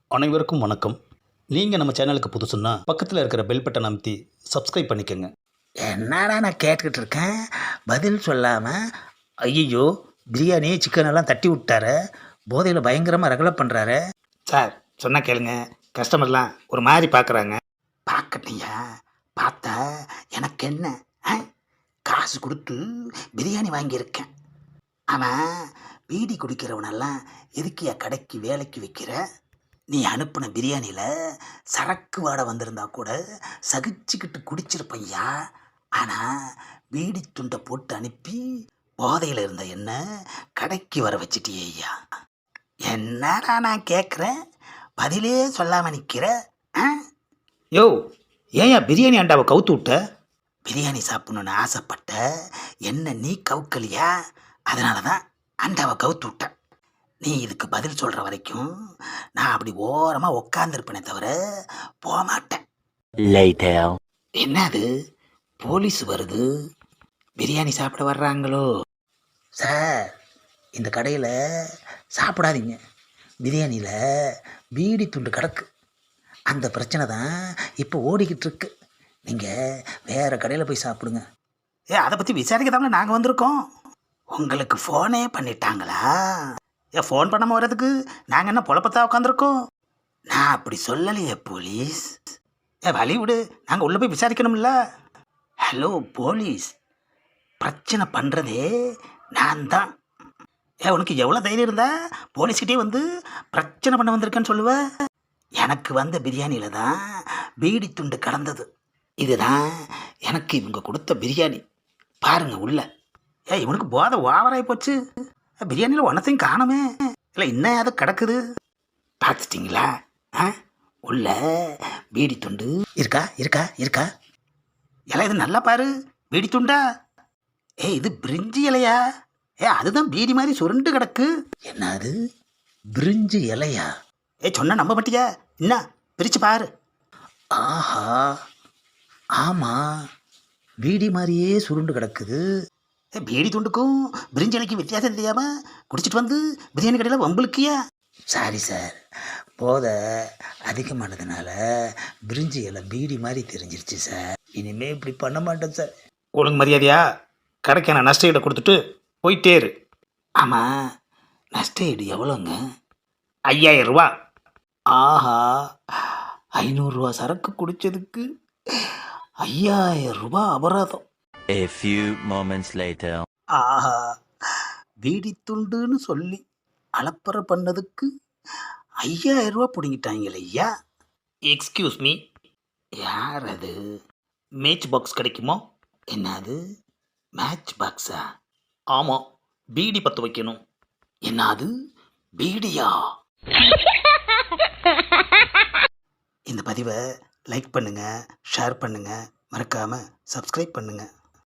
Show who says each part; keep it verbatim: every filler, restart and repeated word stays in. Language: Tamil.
Speaker 1: அனைவருக்கும் வணக்கம். நீங்கள் நம்ம சேனலுக்கு புதுசுன்னா பக்கத்தில் இருக்கிற பெல் பட்டன் அமைத்தி சப்ஸ்கிரைப் பண்ணிக்கோங்க.
Speaker 2: என்னடா நான் கேட்டுக்கிட்டு இருக்கேன், பதில் சொல்லாமல் ஐயோ பிரியாணி சிக்கன் எல்லாம் தட்டி விட்டாரு, போதையில் பயங்கரமாக ரகலை பண்ணுறாரு. சார் சொன்னால் கேளுங்க, கஸ்டமர்லாம் ஒரு மாதிரி பார்க்குறாங்க. பார்க்கட்டியா, பார்த்தா எனக்கு என்ன, ஆ? காசு கொடுத்து பிரியாணி வாங்கியிருக்கேன். அவன் பீடி குடிக்கிறவனெல்லாம் எதுக்கியா கடைக்கு வேலைக்கு வைக்கிற? நீ அனுப்பின பிரியாணியில் சரக்கு வாடை வந்திருந்தா கூட சகிச்சுக்கிட்டு குடிச்சிருப்பையா. ஆனால் பீடி துண்டை போட்டு அனுப்பி போதையில் இருந்த என்ன கடைக்கு வர வச்சிட்டியே ஐயா. என்னடா நான் கேட்குறேன், பதிலே சொல்லாமல் நிற்கிற? ஆ? யோ, ஏயா பிரியாணி அண்டாவை கவுத்து விட்ட? பிரியாணி சாப்பிடணுன்னு ஆசைப்பட்ட என்ன நீ கவுக்கலையா, அதனால தான் அண்டாவை கவுத்து விட்டேன். நீ இதுக்கு பதில் சொல்கிற வரைக்கும் நான் அப்படி ஓரமாக உக்காந்துருப்பேனே தவிர போக மாட்டேன். என்னது, போலீஸ் வருது, பிரியாணி சாப்பிட வர்றாங்களோ? சார், இந்த கடையில் சாப்பிடாதீங்க, பிரியாணியில் பீடி துண்டு கிடக்கு. அந்த பிரச்சனை தான் இப்போ ஓடிக்கிட்டு இருக்கு. நீங்கள் வேறு கடையில் போய் சாப்பிடுங்க. ஏ, அதை பற்றி விசாரிக்க தாங்களே நாங்கள் வந்திருக்கோம். உங்களுக்கு ஃபோனே பண்ணிட்டாங்களா? ஏன் ஃபோன் பண்ணாமல் வர்றதுக்கு நாங்கள் என்ன பொழப்பத்தா உட்காந்துருக்கோம்? நான் அப்படி சொல்லலையே போலீஸ். ஏ வழி விடு, நாங்கள் உள்ளே போய் விசாரிக்கணும்ல. ஹலோ போலீஸ், பிரச்சனை பண்ணுறதே நான் தான். ஏ, உனக்கு எவ்வளோ தைரியம் இருந்தா போலீஸ்கிட்டே வந்து பிரச்சனை பண்ண வந்திருக்கேன்னு சொல்லுவேன்? எனக்கு வந்த பிரியாணியில் தான் பீடி துண்டு கலந்தது. இதுதான் எனக்கு இவங்க கொடுத்த பிரியாணி. பாருங்க உள்ள. ஏ, இவனுக்கு போதை ஓவராகி போச்சு. பிரியாணியில் ஒன்றத்தையும் காணுமே, இல்லை இன்னும் அது கிடக்குது. பார்த்துட்டிங்களா? ஆ, உள்ள பீடி துண்டு இருக்கா இருக்கா இருக்கா? இலை இது நல்லா பாரு, பீடி துண்டா? ஏ, இது பிரிஞ்சி இலையா? ஏ, அதுதான் பீடி மாதிரி சுருண்டு கிடக்கு. என்ன அது, பிரிஞ்சி இலையா? ஏ, சொன்ன நம்ப மாட்டியா? என்ன பிரித்து பாரு. ஆஹா, ஆமாம், பீடி மாதிரியே சுருண்டு கிடக்குது. ஏ, பீடி துண்டுக்கும் பிரிஞ்சி இலைக்கும் வித்தியாசம் தெரியாமல் குடிச்சிட்டு வந்து பிரியாணி கடையில் வம்புலுக்கியா? சாரி சார், போதை அதிகமானதுனால பிரிஞ்சி இலை பீடி மாதிரி தெரிஞ்சிருச்சு சார். இனிமேல் இப்படி பண்ண மாட்டேன் சார். ஒழுங்கு மரியாதையா கடைக்கான நஷ்ட ஈடை கொடுத்துட்டு போயிட்டே இரு. ஆமாம், நஷ்ட ஈடு எவ்வளோங்க? ஐயாயிரம் ரூபா. ஆஹா, ஐநூறுரூவா சரக்கு குடித்ததுக்கு ஐயாயிரம் ரூபா அபராதம்.
Speaker 3: A few moments later.
Speaker 2: ஆஹா, பீடி துண்டுன்னு சொல்லி அலப்பறை பண்ணதுக்கு ஐயாயிரம் ரூபா பிடிங்கிட்டாங்களே ஐயா.
Speaker 1: எக்ஸ்கியூஸ் மீ,
Speaker 2: யார் அது?
Speaker 1: மேட்ச் பாக்ஸ் கிடைக்குமா?
Speaker 2: என்னது, மேட்ச் பாக்ஸா?
Speaker 1: ஆமாம், பீடி பற்ற வைக்கணும்.
Speaker 2: என்னது, பீடியா? இந்த பதிவை லைக் பண்ணுங்கள், ஷேர் பண்ணுங்கள், மறக்காமல் சப்ஸ்கிரைப் பண்ணுங்கள்.